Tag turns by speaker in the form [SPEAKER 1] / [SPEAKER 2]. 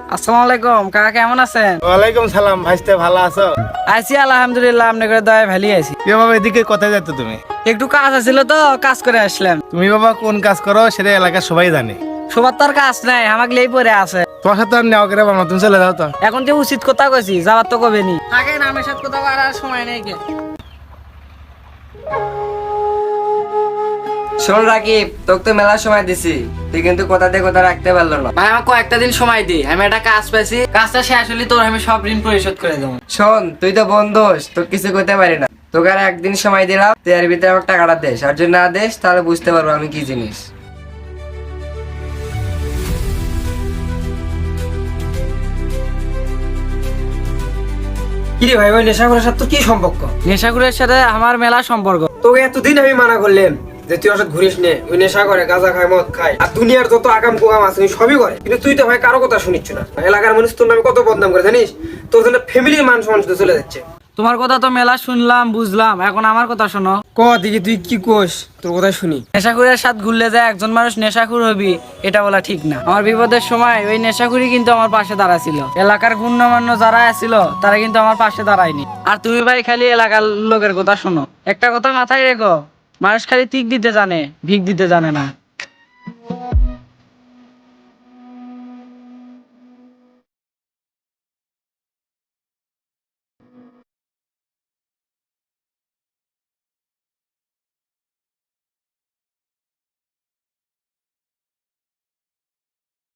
[SPEAKER 1] আসসালামু আলাইকুম কাকা, কেমন আছেন?
[SPEAKER 2] ওয়ালাইকুম সালাম ভাইস্তে, ভালো আছো?
[SPEAKER 1] আছি আলহামদুলিল্লাহ, আপনাদের দয়ায় ভালোই আছি।
[SPEAKER 2] কি বাবা, এদিকে কোথায় যাচ্ছ তুমি?
[SPEAKER 1] একটু কাজ আছিল তো, কাজ করে আসলাম।
[SPEAKER 2] তুমি বাবা কোন কাজ করো সেটা এলাকার সবাই জানে।
[SPEAKER 1] সবার তো আর কাজ নাই, আমাকে লেই পড়ে আছে।
[SPEAKER 2] তোমার সাথে আর নেওয়া করে বাবা, তুমি চলে যাও তো।
[SPEAKER 1] এখন যে উচিত কথা কইছি, যাবার তো কবে নি। আগে নামের সাথে কথা আর সময় নেই কে।
[SPEAKER 3] শোন রাকিব, তোকে তো মেলা সময় দিছি, তুই কিন্তু কথা দিয়ে কথা রাখতে পারলো না।
[SPEAKER 1] ভাই আমাকে কয়েকটা দিন সময় দি, আমি একটা কাজ পাইছি, কাজটা শেষ হলে তোর আমি সব ঋণ পরিশোধ করে দেবো।
[SPEAKER 3] শোন, তুই তো বন্ধুস, তোর কিছু করতে পারি না। তোকে আর একদিন সময় দিলাম, তুই এর ভিতরে আমাকে টাকাটা দেস, আর যদি না দেস তাহলে বুঝতে পারবো আমি কি জিনিস।
[SPEAKER 4] কিরে ভাই, ওই নেশাখোরের সাথে তোর কি সম্পর্ক?
[SPEAKER 1] নেশাখুরের সাথে আমার মেলা সম্পর্ক।
[SPEAKER 4] তোকে এতদিন আমি মানা করলাম যে তুই ওর সাথে ঘুরিস নে, ওই নেশা করে, গাঁজা খায়, মদ খায়, আর দুনিয়ার যত আকাম কুকাম আছে ওই সবই করে, কিন্তু তুই তো ভাই কারো কথা শুনিস না। এলাকার মানুষ তোর নামে কত বদনাম করে জানিস? তোর জন্য ফ্যামিলির মান সম্মান শুধু চলে যাচ্ছে।
[SPEAKER 1] তোমার কথা তো মেলা শুনলাম বুঝলাম, এখন আমার কথা শোনো।
[SPEAKER 4] ক দিকে তুই কি কোস, তোর কথা শুনি।
[SPEAKER 1] নেশাখুরের সাথে ঘুরলে যায় একজন মানুষ নেশাখুর হবি, এটা বলা ঠিক না। আমার বিপদের সময় ওই নেশাখুরি কিন্তু আমার পাশে দাঁড়াছিল। এলাকার গণ্যমান্য যারা আছিল তারা কিন্তু আমার পাশে দাঁড়ায়নি। আর তুমি ভাই খালি এলাকার লোকের কথা শোনো। একটা কথা মাথায় রেখো, মানুষ খালি তিক দিতে জানে, ভিক দিতে জানে না।